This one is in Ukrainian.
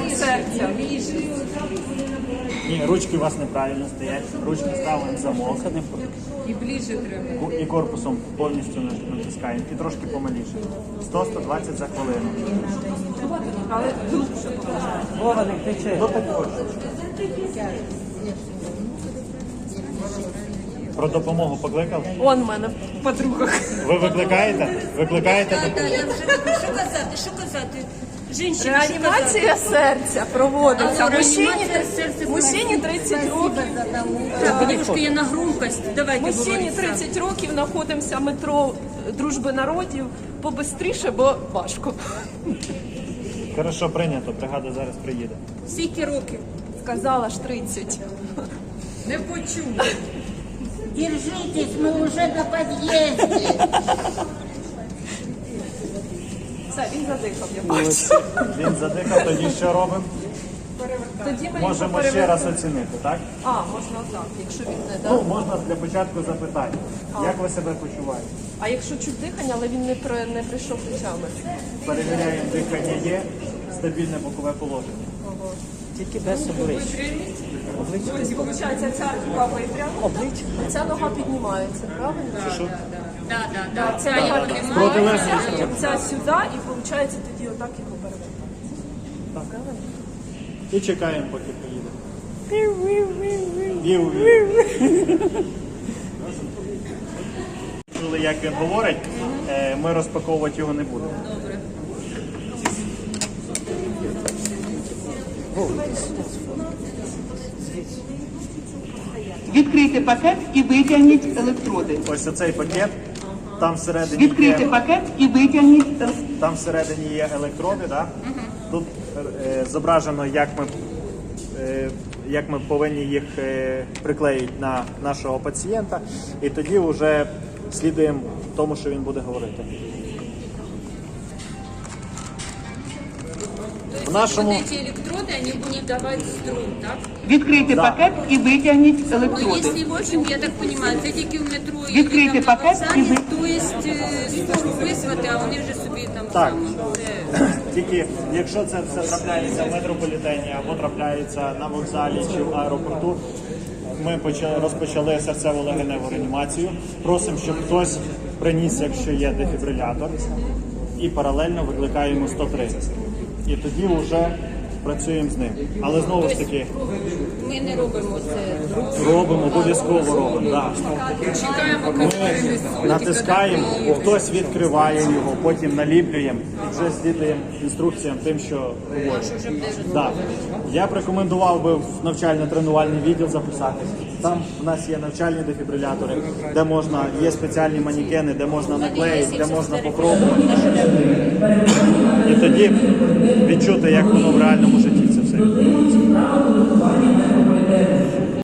серця. Ні, ручки у вас неправильно стоять. Ручки ставимо в замок. І ближче треба. І корпусом повністю натискаємо. І трошки помаліше. 100-120 за хвилину. Але глибше поважає. Вова, не кричи. Ну так ось. Про допомогу покликав? Он в мене в подругах. Ви викликаєте? Викликаєте Так, допомогу? я вже кажу, що казати? Жінчина, що Реанімація серця проводиться. Алло, Мужчині, реанімація серця мужчині 30 років. казати? Дівчинки, я на громкость. Давайте Мужчині говорити. 30 років знаходимося метро Дружби народів. Побистріше, бо важко. Хорошо, прийнято. Бригада зараз приїде. Скільки років? Сказала ж 30. Не почув. Держитесь, мы уже на подъезде. Все, він задихав, я бачу. Він задихав, тоді що робимо? Тоді ми Можемо його ще раз оцінити, так? А, можна так, якщо він не Ну, дав. можна для початку запитання. Як ви себе почуваєте? А якщо чуть дихання, але він не прийшов до тями. Перевіряємо, дихання є, стабільне бокове положення. Тільки без обличчя. Ось, виходить, ця рука випрямо, ця нога піднімається, правильно? Да. Ця нога піднімається, Протилежно. ця сюди, і виходить тоді отак його переводити. І чекаємо, поки приїде. Вів-вів. Чули, як він говорить, ми розпаковувати його не будемо. Відкрийте пакет і витягніть електроди. Ось оцей пакет, там всередині Відкрийте є, пакет і витягніть там всередині є електроди, да? Тут зображено, як ми повинні їх приклеїти на нашого пацієнта, і тоді вже слідуємо тому, що він буде говорити. В нашому... Вот эти электроды, они будут давать струм, так? Відкрийте пакет і витягніть Ну, електроди. если, в общем, я так понимаю, це тільки в метро і Відкрийте там на пакет і вокзалі, ви- то есть скору визвати, а вони вже собі там Так. саме. Тільки якщо це все трапляється в метрополітені або трапляється на вокзалі чи в аеропорту, ми розпочали серцево-легеневу реанімацію. Просимо, щоб хтось приніс, якщо є дефібрилятор, і паралельно викликаємо 103. І тоді вже працюємо з ним. Але знову ж таки, Ми не робимо це. робимо, обов'язково робимо. Да. Чекаємо, Ми натискаємо, хтось відкриває його, потім наліплюємо і вже слідуємо інструкціям тим, що говорять. Да. Я б рекомендував би в навчально-тренувальний відділ записатися. Там в нас є навчальні дефібрилятори, де можна, є спеціальні манекени, де можна наклеїти, де можна попробувати. І тоді відчути, як воно в реальному житті це все відбувається.